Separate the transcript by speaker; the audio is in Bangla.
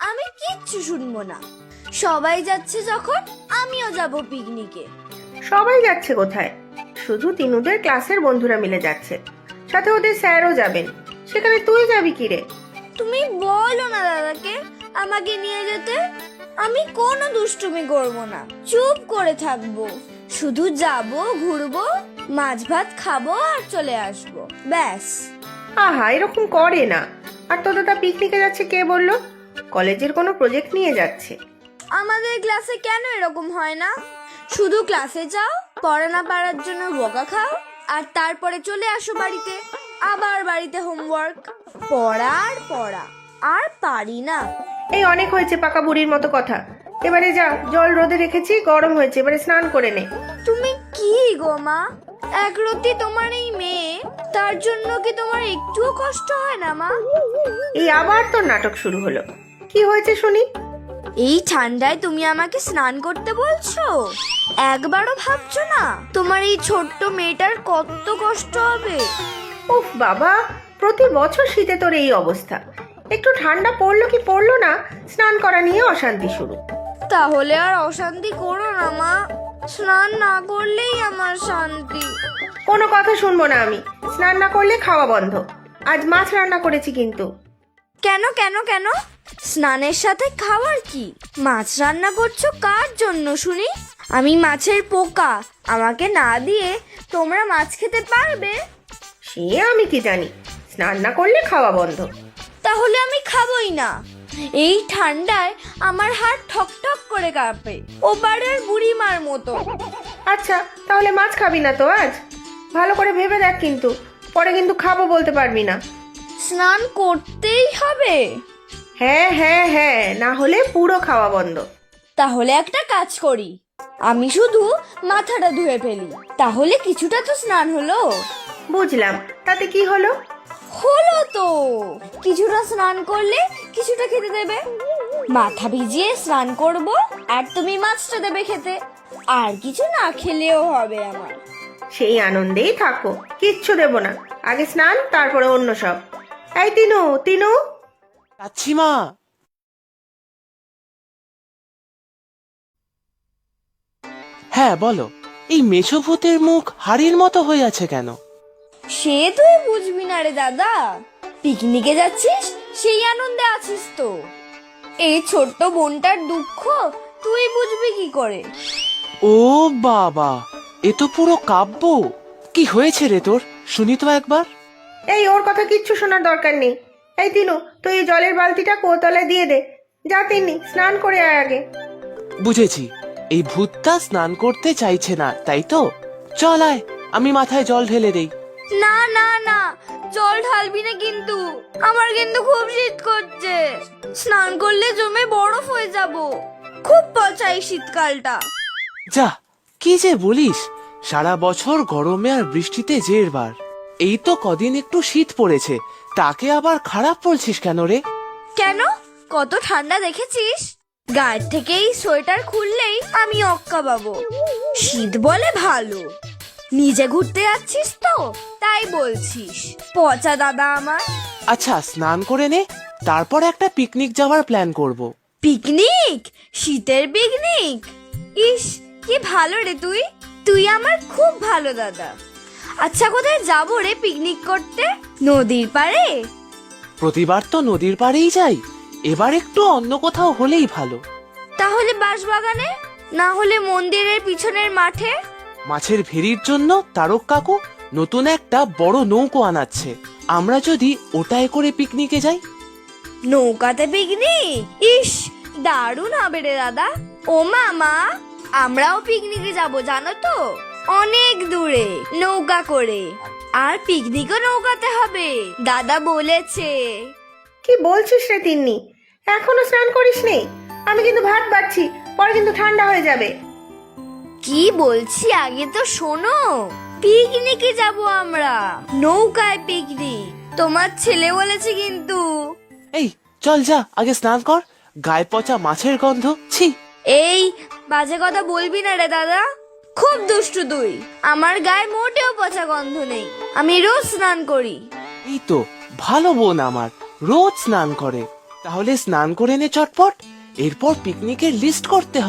Speaker 1: আমি কিচ্ছু শুনবো না। সবাই যাচ্ছে যখন আমিও যাব পিকনিকে।
Speaker 2: সবাই যাচ্ছে কোথায়? শুধু তিনুদের ক্লাসের বন্ধুরা মিলে যাচ্ছে, সাথে ওদের স্যারও যাবেন। সেখানে তুই যাবি কি রে?
Speaker 1: তুমি বলো না দাদাকে আমাকে নিয়ে যেতে। আমি কোনো দুষ্টুমি করব না, চুপ করে থাকবো। শুধু যাব, ঘুরবো, মাছ ভাত খাবো আর চলে আসবো, ব্যাস।
Speaker 2: আহা, এরকম করে না। আর তোর দাদা পিকনিকে যাচ্ছে কে বললো? কলেজের কোনো প্রজেক্ট নিয়ে যাচ্ছে।
Speaker 1: আমাদের ক্লাসে কেন এরকম হয় না? শুধু ক্লাসে যাও, পড়া না পারার জন্য বকা খাও, আর তারপরে চলে আসো বাড়িতে। আবার বাড়িতে হোমওয়ার্ক, পড়া আর পড়া। আর পারি না।
Speaker 2: এই অনেক হয়েছে পাকা বুড়ির মতো কথা। এবারে যা, জল রোদে রেখেছি, গরম হয়েছে, এবারে স্নান করে নে।
Speaker 1: তুমি কি গো মা, একরত্তি তোমার এই মেয়ে, তার জন্য কি তোমার একটুও কষ্ট হয় না মা?
Speaker 2: এই আবার তোর নাটক শুরু হলো। কি হয়েছে শুনি?
Speaker 1: এই ঠান্ডায় তুমি আমাকে স্নান করতে বলছো? একবারও ভাবছো না তোমার এই ছোট্ট মেয়েটার কত কষ্ট হবে?
Speaker 2: উফ বাবা, প্রতি বছর শীতে তোর এই অবস্থা। একটু ঠান্ডা পড়লো কি পড়লো না, স্নান করা নিয়ে অশান্তি শুরু।
Speaker 1: তাহলে আর অশান্তি করো না মা, স্নান না করলেই আমার শান্তি।
Speaker 2: কোনো কথা শুনবো না আমি। স্নান না করলে খাওয়া বন্ধ। আজ মাছ রান্না করেছি কিন্তু।
Speaker 1: কেন কেন কেন? স্নানের সাথে খাওয়ার কি? মাছ রান্না করছো কার জন্য শুনি? আমি মাছের পোকা, আমাকে না দিয়ে তোমরা মাছ খেতে পারবে?
Speaker 2: সে আমি কি জানি, স্নান না করলে খাওয়া বন্ধ।
Speaker 1: তাহলে আমি খাবোই না। এই ঠান্ডায় আমার হাত ঠক ঠক করে কাঁপে, ওপারের বুড়িমার মতো।
Speaker 2: আচ্ছা, তাহলে মাছ খাবি না তো আজ? ভালো করে ভেবে দেখ কিন্তু, পরে কিন্তু খাবো বলতে পারবি না।
Speaker 1: স্নান করতেই হবে?
Speaker 2: হ্যাঁ হ্যাঁ হ্যাঁ, না হলে পুরো খাওয়া বন্ধ।
Speaker 1: তাহলে একটা কাজ করি, আমি শুধু মাথাটা ধুয়ে ফেলি, তাহলে কিছুটা তো স্নান হলো।
Speaker 2: বুঝলাম, তাতে কি হলো?
Speaker 1: হলো তো, কিছুটা স্নান করলে কিছুটা খেতে দেবে। মাথা ভিজিয়ে স্নান করব, আর তুমি মাছটা দেবে খেতে। আর কিছু না খেলেও হবে আমার।
Speaker 2: সেই আনন্দেই থাকো, কিচ্ছু দেব না। আগে স্নান, তারপরে অন্য সব। এই তিনু, তিনু।
Speaker 3: যাচ্ছি মা। হ্যাঁ বলো, এই মেছো ভূতের মুখ হাড়ির মতো হয়ে আছে কেন?
Speaker 1: সে তুই বুঝবি না রে দাদা, পিকনিকে যাচ্ছিস সেই আনন্দে আছিস তো। এই ছোট্ট বোনটার দুঃখ তুই বুঝবি কি করে?
Speaker 3: ও বাবা, এ তো পুরো কাব্য। কি হয়েছে রে তোর, শুনি তো একবার।
Speaker 2: এই ওর কথা কিচ্ছু শোনার দরকার নেই। এই তিনু, তুই এই জলের বালতিটা কোতলায় দিয়ে দে। যা তিন্নি, স্নান করে আয় আগে।
Speaker 3: বুঝেছি, এই ভূতটা স্নান করতে চাইছে না, তাই তো? চল আয়, আমি মাথায় জল ঢেলে দেই।
Speaker 1: না না না, জল ঢালবি না কিন্তু, আমার কিন্তু খুব শীত করছে। স্নান করলে জমে বরফ হয়ে যাব। খুব পচা এই শীতকালটা।
Speaker 3: যা, কি যে বলিস, সারা বছর গরমে আর বৃষ্টিতে জেরবার। এই তো কদিন একটু শীত পড়েছে, তাকে আবার খারাপ বলছিস কেন রে?
Speaker 1: কেন, কত ঠান্ডা দেখেছিস? গায়ের থেকে এই সোয়েটার খুললেই আমি অক্কা পাবো। শীত বলে ভালো, নিজে ঘুরতে যাচ্ছিস তো তাই বলছিস। পচা দাদা আমার।
Speaker 3: আচ্ছা, স্নান করে নে, তারপর একটা পিকনিক যাওয়ার প্ল্যান করব।
Speaker 1: পিকনিক? শীতের পিকনিক? ইস, কি ভালো রে তুই। তুই আমার খুব ভালো দাদা। আচ্ছা, কোথায় যাবো রে পিকনিক করতে? নদীর পাড়ে?
Speaker 3: প্রতিবার তো নদীর পাড়েই যাই, এবার একটু অন্য কোথাও হলেই ভালো।
Speaker 1: তাহলে বাঁশবাগানে, না হলে মন্দিরের পিছনের মাঠে।
Speaker 3: মাছের ভেরির জন্য তারক কাকু নতুন একটা বড় নৌকো আনাচ্ছে, আমরা যদি ওটায় করে পিকনিকে যাই।
Speaker 1: নৌকাতে পিকনিক? ইস, দারুণ হবে রে দাদা। ও মামা, আমরাও পিকনিকে যাব জানো তো, অনেক দূরে নৌকা করে। আর পিকনিকও নৌকাতে হবে, দাদা বলেছে।
Speaker 2: কি বলছিস রে তিন্নি? এখনো স্নান করিস নি? আমি কিন্তু ভাত বাড়ছি, পরে কিন্তু ঠান্ডা হয়ে যাবে।
Speaker 1: কি বলছি আগে তো শোনো। পিকনিকে যাব আমরা, নৌকায় পিকনিক। তোমার ছেলে বলেছে কিন্তু।
Speaker 3: এই চল, যা আগে স্নান কর, গায়ে পচা মাছের গন্ধ, ছি।
Speaker 1: এই বাজে কথা বলবি না রে দাদা, খুব দুষ্টু তুই। আমার গায়ে মোটেও পচা গন্ধ নেই, আমি রোজ স্নান করি।
Speaker 3: এই তো ভালো বোন আমার, রোজ স্নান করে। তাহলে স্নান করে নে চটপট, এরপর পিকনিকের লিস্ট করতে হবে।